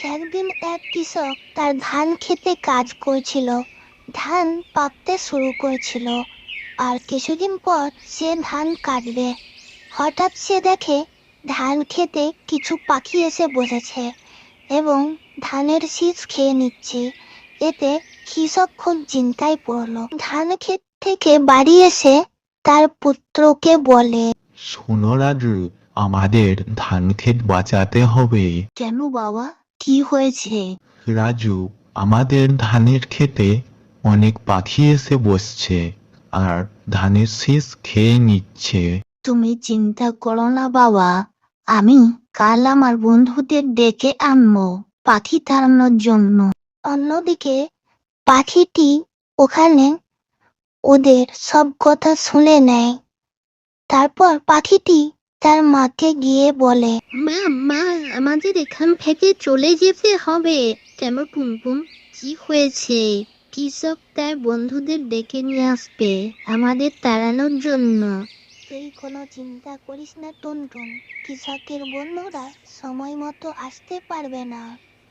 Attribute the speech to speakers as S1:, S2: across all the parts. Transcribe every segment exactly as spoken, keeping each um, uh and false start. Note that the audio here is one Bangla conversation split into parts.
S1: একদিন এক কৃষক তার ধান ক্ষেতে কাজ করছিল। ধান পাকতে শুরু করেছিল, আর কিছুদিন পর সে ধান কাটবে। হঠাৎ সে দেখে ধান খেতে কিছু পাখি এসে বসেছে এবং ধানের শীষ খেয়ে নিচ্ছে। এতে কৃষক খুব চিন্তায় পড়ল। ধান ক্ষেত থেকে বাড়ি এসে তার পুত্রকে বলে,
S2: শোনো রাজু, আমাদের ধান ক্ষেত বাঁচাতে হবে।
S1: কেন বাবা, কি হয়েছে?
S2: রাজু, আমাদের ধানের ক্ষেতে অনেক পাখি এসে বসছে আর ধানের শীষ খেয়ে নিচ্ছে।
S1: তুমি চিন্তা করো না বাবা, আমি কাল আমার বন্ধুদের ডেকে আনবো পাখি তাড়ানোর জন্য। অন্যদিকে পাখিটি ওখানে ওদের সব কথা শুনে নেয়। তারপর পাখিটি তার মাকে গিয়ে বলে, মা মা আমাদের এখান থেকে চলে যেতে হবে। কেন টুনটুন, কি হয়েছে? কৃষক তার বন্ধুদের ডেকে নিয়ে আসবে আমাদের তাড়ানোর জন্য। তুই কোনো চিন্তা করিস না টুনটুন, কৃষকের বন্ধুরা সময় মতো আসতে পারবে না।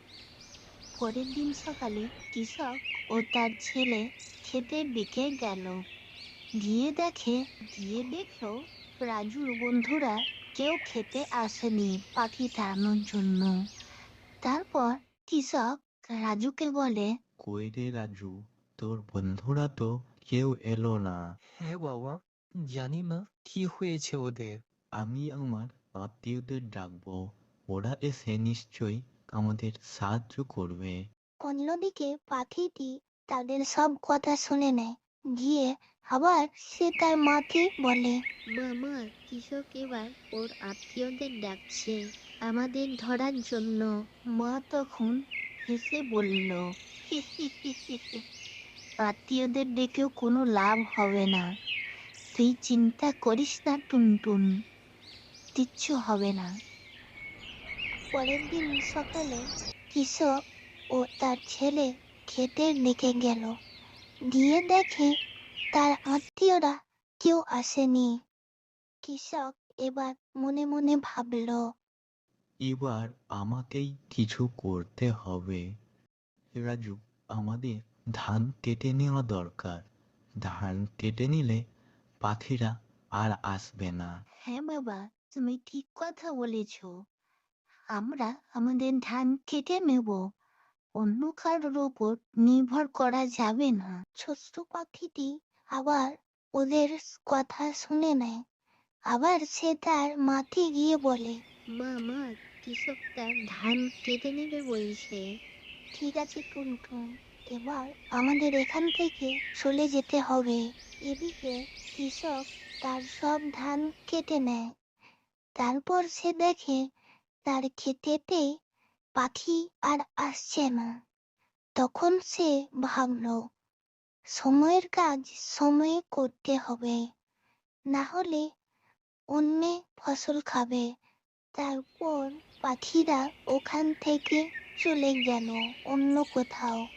S1: পরের দিন সকালে কৃষক ও তার ছেলে ক্ষেতের দিকে গেল। গিয়ে দেখে গিয়ে দেখলো রাজুর বন্ধুরা কেউ খেতে আসেনি পাখি তাড়ানোর জন্য। তারপর কৃষক রাজুকে বলে,
S2: কই রে রাজু, তোর বন্ধুরা তো কেউ এলো না।
S3: হ্যাঁ বাবা, জানি না কি হয়েছে ওদের।
S2: আমি আমার আত্মীয়দের ডাকবো, ওরা এসে নিশ্চয়ই আমাদের সাহায্য করবে।
S1: অন্যদিকে পাখিটি তাদের সব কথা শুনে নেয়। গিয়ে আবার সে তার মাকে বলে, মামা, কৃষক এবার ওর আত্মীয়দের ডাকছে আমাদের ধরার জন্য। মা তখন হেসে বলল, আত্মীয়দের ডেকেও কোনো লাভ হবে না। তুই চিন্তা করিস না টুনটুন, কিচ্ছু হবে না। পরের দিন সকালে কৃষক ও তার ছেলে ক্ষেতের দিকে গেল। গিয়ে দেখে তার আত্মীয়রা কেউ আসেনি। কৃষক এবার মনে মনে ভাবল,
S2: এবার আমাকেই কিছু করতে হবে। রাজু, আমাদের ধান কেটে নেওয়া দরকার। ধান কেটে নিলে পাখিরা আর আসবে না।
S1: হ্যাঁ বাবা, তুমি ঠিক কথা বলেছ। আমরা আমাদের ধান কেটে নেব, অন্য কারোর ওপর নির্ভর করা যাবে না। ছোট্ট পাখিটি আবার ওদের কথা শুনে নেয়। আবার সে তার মাকে গিয়ে বলে, মা মা কৃষক তার ধান কেটে নেবে বলছে। ঠিক আছে টুনটুন, এবার আমাদের এখান থেকে চলে যেতে হবে। এদিকে কৃষক তার সব ধান কেটে নেয়। তারপর সে দেখে তার ক্ষেতেতে পাখি আর আসছে না। তখন সে ভাবলো, সময়ের কাজ সময়ে করতে হবে, না হলে অন্য ফসল খাবে। তারপর পাখিরা ওখান থেকে চলে গেল অন্য কোথাও।